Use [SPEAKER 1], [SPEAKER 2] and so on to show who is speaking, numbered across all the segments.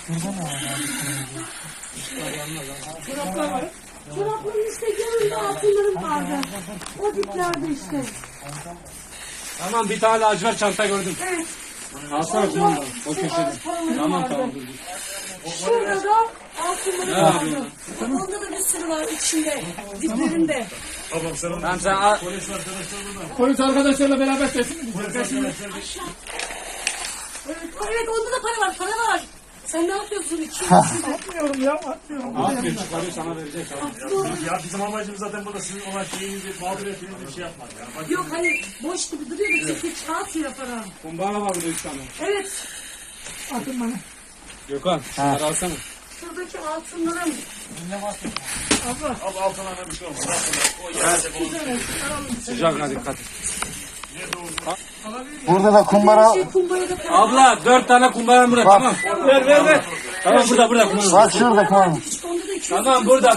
[SPEAKER 1] Çoraplar var. Çorapların işte yanında altınlarım vardı. O diplerde işte.
[SPEAKER 2] Tamam, bir tane lacivert çanta gördüm.
[SPEAKER 1] Evet.
[SPEAKER 2] Alsana kumanda. O köşede. Tamam.
[SPEAKER 1] Şurada da altınlarım vardı. Onda da bir sürü var içinde. Diplerinde.
[SPEAKER 2] Tamam, sen al.
[SPEAKER 3] Polis arkadaşlarla beraber sesini
[SPEAKER 1] Evet onda da para var. Para var. Sen ne yapıyorsun?
[SPEAKER 3] atmıyorum ya, atmıyorum.
[SPEAKER 2] Atmıyor, çıkarıyor, sana verecek.
[SPEAKER 4] Ya bizim amacımız zaten burada sizin olan şeyinizi, mağduriyetinizi bir şey yapmak. Yani. Bak,
[SPEAKER 1] Yok hani boş gibi duruyor da çünkü kağıt ya para.
[SPEAKER 2] Kumbara var burada 3 tane.
[SPEAKER 1] Evet.
[SPEAKER 3] Atın bana.
[SPEAKER 2] Gökhan, şunları alsana.
[SPEAKER 1] Şuradaki altınlarım.
[SPEAKER 4] abi altına bir şey olmaz. Altına, o yerde
[SPEAKER 2] Sıcağına dikkat et.
[SPEAKER 5] Burada da kumbara.
[SPEAKER 1] Kumbarada para.
[SPEAKER 2] Abla 4 tane kumbaram burada, tamam. Ver. Tamam, burada kumbara.
[SPEAKER 5] Bak şurada kumbara.
[SPEAKER 1] Onda da 200.
[SPEAKER 2] Tamam, burada.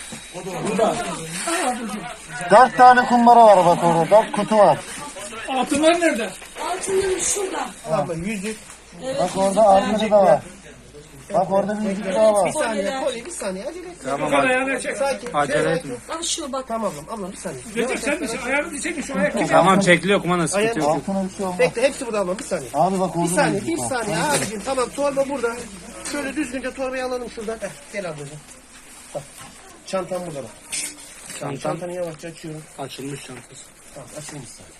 [SPEAKER 5] 4 tane kumbara var bak orada. 4 kutu var.
[SPEAKER 3] Altınlar nerede?
[SPEAKER 1] Altınlarım şurada.
[SPEAKER 5] Bak orada arkada da var. Bak orada bir yüzük daha var.
[SPEAKER 6] Bir saniye acele et.
[SPEAKER 2] Tamam,
[SPEAKER 3] Ayağını çek.
[SPEAKER 2] acele etme.
[SPEAKER 1] Al şunu bak.
[SPEAKER 6] Tamam ablam bir saniye.
[SPEAKER 3] Recep sen misin? Ayağını çekin şu ayak.
[SPEAKER 2] Tamam, çekiliyor kumanda, sıkıntı yok.
[SPEAKER 5] Altına bir şey olmaz.
[SPEAKER 6] Bekle hepsi burada ablam bir saniye.
[SPEAKER 5] Abi bak orada
[SPEAKER 6] Bir saniye
[SPEAKER 5] yüzük
[SPEAKER 6] bir
[SPEAKER 5] var.
[SPEAKER 6] saniye abicim tamam torba burada. Şöyle düzgünce torbayı alalım şuradan. Gel ablacığım. Bak çantam burada bak. Çantanı yavaşça açıyorum.
[SPEAKER 2] Açılmış çantası.
[SPEAKER 6] Tamam açayım bir saniye.